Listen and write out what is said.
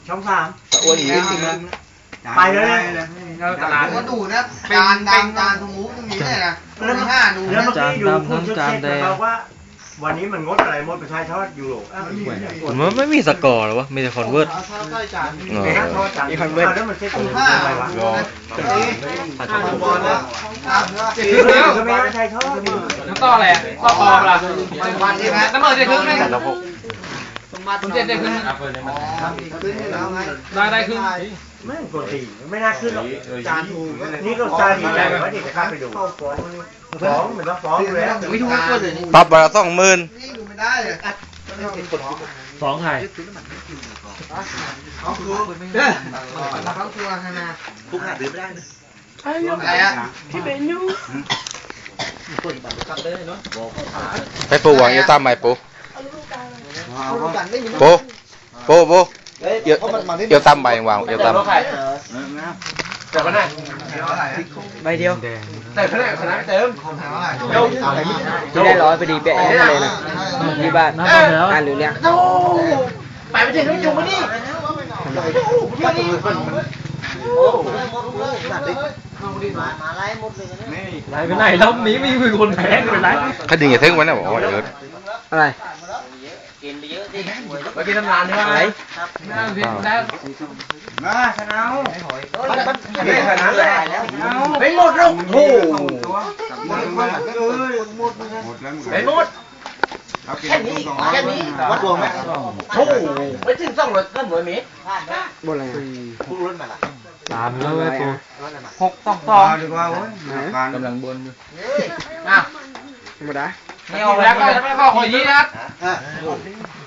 ช่องสามอ้วนอย่างนี้จริงนะไปเลยตลาดก็ดูนะจานดำจานทมูตรงนี้เลยนะแล้วมัน5ดูแล้วเมื่อกี้ดูคุณชุดเช็คบอกว่าวันนี้มันงดอะไรงดประชาชนยูโรมันไม่มีสกอร์หรอวะมีแต่คอนเวิร์ตมีคอนเวิร์ตแล้วมันเช็คอะไรวะก็ไม่ใช่ทอดน้ำต่ออะไรต่อปอมล่ะวันนี้นะน้ำเอิญจะครึ่งนึงผมเจ็ดได้ครึ่งได้ครึ่งไม่ปกติไม่น่าขึ้นหรอกจานถูกนี่ก็จานดีใจว่าเด็กจะข้าไปดูฟ้องเหมือนว่าฟ้องเลยไม่ถูกก็เลยปรับวันละ20,000 นี่ดูไม่ได้เลยสองไทยเขาคือเขาคือฮานาทุกหาซื้อไม่ได้นะอะไรอ่ะไปปูวางเอวตามไหมปูเอวตามใบวางเอวตามแต่ก็ได้ใบเดียวแต่ขนาดขนาดเติมที่ได้100พอดีเป๊ะเลยนะที่บ้านอ่านหรือเนี่ยไปไปถึงแล้วจุ่มมาดิไหนไปไหนรอบนี้ไม่มีคนแพ้เป็นไรถ้าดึงอย่าทึ่งไว้นะบอกว่าเอออะไรไปกินน้ำร้านใช่ไหมแล้วมาชนะไม่ขนาดเลยไม่หมดหรอกโอ้ไปหมดแค่นี้วัดดวงไหมโอ้ไปถึง200ก็100 เมตรบนอะไรตามเลยปู622 ดีกว่าโว้ยกำลังบนอยู่อ่ะธรรมดาไม่ออกแล้วก็ไม่เข้าขอยีนะครับ